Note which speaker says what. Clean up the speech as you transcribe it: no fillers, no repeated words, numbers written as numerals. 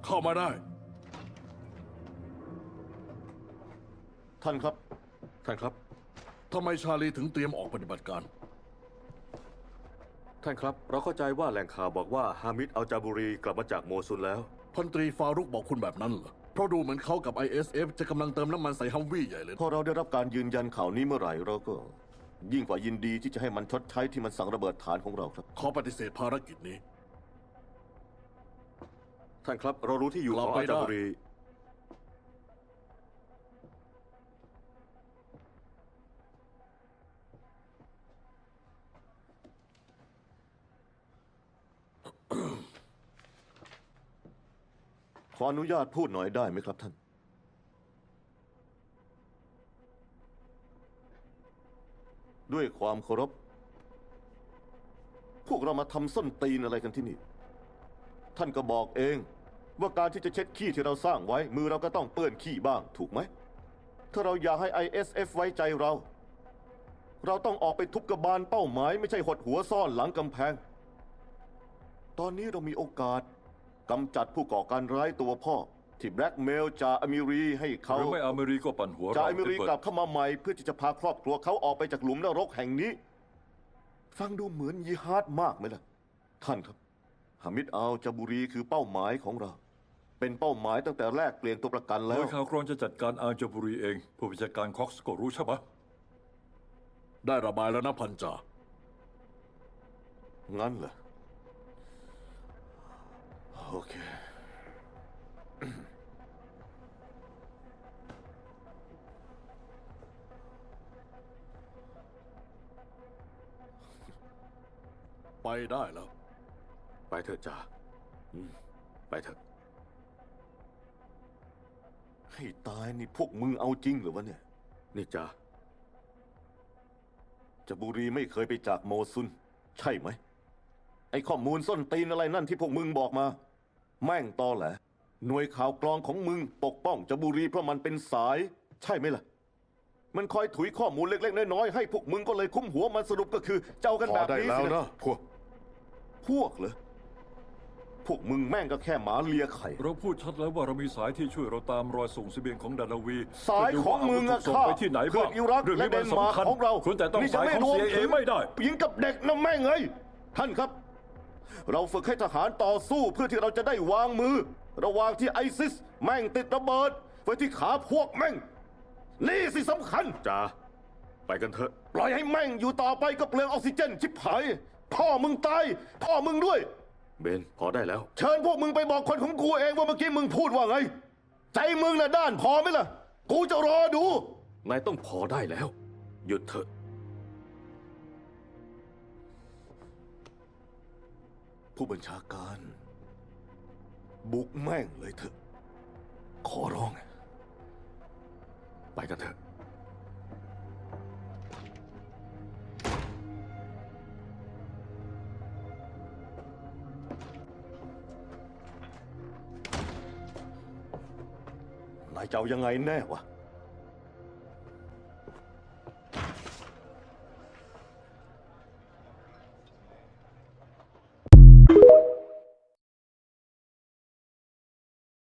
Speaker 1: เข้ามาได้
Speaker 2: ท่านครับ
Speaker 3: ท่านครับ
Speaker 1: ทำไมชาลีถึงเตรียมออกปฏิบัติการ
Speaker 3: ท่านครับ เราเข้าใจว่าแหล่งข่าวบอกว่าฮามิดอัลจาบูรีกลับมาจากโมซุลแล้ว
Speaker 1: พันตรีฟารุกบอกคุณแบบนั้นเหรอ เพราะดูเหมือนเขากับ ISF จะกำลังเติมน้ำมันใส่ฮัมวี่ใหญ่เลย
Speaker 2: พอเราได้รับการยืนยันข่าวนี้เมื่อไหร่เราก็ ยิ่งกว่ายินดีที่จะให้มันชดใช้ที่มันสั่งระเบิดฐานของเราครับ
Speaker 1: ขอปฏิเสธภารกิจนี้
Speaker 3: ท่านครับ เรารู้ที่อยู่
Speaker 1: กลั
Speaker 3: ข
Speaker 1: บ
Speaker 3: อง
Speaker 1: ไป
Speaker 3: อัลจาบู
Speaker 1: ได้
Speaker 3: รี
Speaker 2: ขออนุญาตพูดหน่อยได้ไหมครับท่าน ด้วยความเคารพ พวกเรามาทำส้นตีนอะไรกันที่นี่ ท่านก็บอกเองว่าการที่จะเช็ดขี้ที่เราสร้างไว้ มือเราก็ต้องเปื้อนขี้บ้างถูกไหม ถ้าเราอยากให้ ISF ไว้ใจเรา เราต้องออกไปทุบกระบาลเป้าหมายไม่ใช่หดหัวซ่อนหลังกำแพง ตอนนี้เรามีโอกาสกำจัดผู้ก่อการร้ายตัวพ่อ ที่แบล็กเมลจ่าอเมรีให้
Speaker 4: ห
Speaker 2: เขา
Speaker 4: รือไม่อเมริก็ปั่นหัว
Speaker 2: จ่า
Speaker 4: เรา
Speaker 2: อเมรี
Speaker 4: เอ็ด
Speaker 2: ก
Speaker 4: เวิ
Speaker 2: ลั
Speaker 4: ร์
Speaker 2: บ
Speaker 4: ด
Speaker 2: เข้ามาใหม่เพื่อที่จะพาครอบครัวเขาออกไปจากหลุมนรกแห่งนี้ ฟังดูเหมือนยิฮาดมากไหมล่ะ ท่านครับฮามิดอัลจาบูรีคือเป้าหมายของเรา เป็นเป้าหมายตั้งแต่แรกเปลี่ยนตัวประกัน
Speaker 4: ห
Speaker 2: แล้
Speaker 4: น่
Speaker 2: ว
Speaker 4: วยข่าวกรองจะจัดการอาร์จาบุรีเอง ผู้บัญชาการคอกส์ก็รู้ใช่ไหม
Speaker 1: ได้ระบายแล้วนะพันจ่า
Speaker 2: งั้นเหรอ โอเค
Speaker 1: ไปได้แล้ว
Speaker 3: ไปเถอะจ่าไปเถอะ
Speaker 2: ให้ตายนี่พวกมึงเอาจริงหรือวะเนี่ย
Speaker 3: นี่จ่า
Speaker 2: จาบูรีไม่เคยไปจากโมซุน ใช่ไหม ไอ้ข้อมูลส้นตีนอะไรนั่นที่พวกมึงบอกมา แม่งตอแหละ หน่วยข่าวกรองของมึงปกป้องจาบูรีเพราะมันเป็นสาย ใช่ไหมล่ะ มันคอยถุยข้อมูลเล็กๆน้อยๆให้พวกมึงก็เลยคุ้มหัวมันสรุปก็คือเจ้ากัน
Speaker 1: พ
Speaker 2: แบ
Speaker 1: อบ ได้
Speaker 2: นี้
Speaker 1: แล้ว
Speaker 2: สิ
Speaker 1: นะพวก
Speaker 2: พวกเหรอ พวกมึงแม่งก็แค่หมาเลียไข่
Speaker 4: เราพูดชัดแล้วว่าเรามีสายที่ช่วยเราตามรอยส่งเสบียงของดานาวี
Speaker 2: สายของมึงอะ
Speaker 4: ส่ง
Speaker 2: ข้า
Speaker 4: ไปที่ไหน
Speaker 2: เพื่
Speaker 4: บ้า
Speaker 2: อง อิรัก
Speaker 4: เรื่อง
Speaker 2: และ
Speaker 4: นี้
Speaker 2: เด
Speaker 4: มัน
Speaker 2: นมาร์
Speaker 4: สำคัญ
Speaker 2: กของเรา
Speaker 4: คุณแต่ต้อง
Speaker 2: นี่
Speaker 4: สาย
Speaker 2: จะ
Speaker 4: ของ
Speaker 2: รวม
Speaker 4: CIA
Speaker 2: ถึง
Speaker 4: ไม่ได้
Speaker 2: หญิงกับเด็กนะแม่งเอ้ยท่านครับ เราฝึกให้ทหารต่อสู้เพื่อที่เราจะได้วางมือ ระหว่างที่ไอซิสแม่งติดระเบิดไว้ที่ขาพวกแม่ง นี่สิสำคัญ
Speaker 3: จ่า ไปกันเถอะ
Speaker 2: ปล่อยให้แม่งอยู่ต่อไปก็เปลืองออกซิเจนชิบหาย พ่อมึงตาย พ่อมึงด้วย
Speaker 3: เบน พอได้แล้ว
Speaker 2: เชิญพวกมึงไปบอกคนของกูเองว่าเมื่อกี้มึงพูดว่าไง ใจมึงน่ะด้านพอไหมล่ะ กูจะรอดู
Speaker 3: นายต้องพอได้แล้ว หยุดเถอะ
Speaker 2: ผู้บัญชาการ บุกแม่งเลยเถอะ ขอร้อง
Speaker 3: ไปกันเถอะ
Speaker 2: นายจะเอายังไงแน่วะ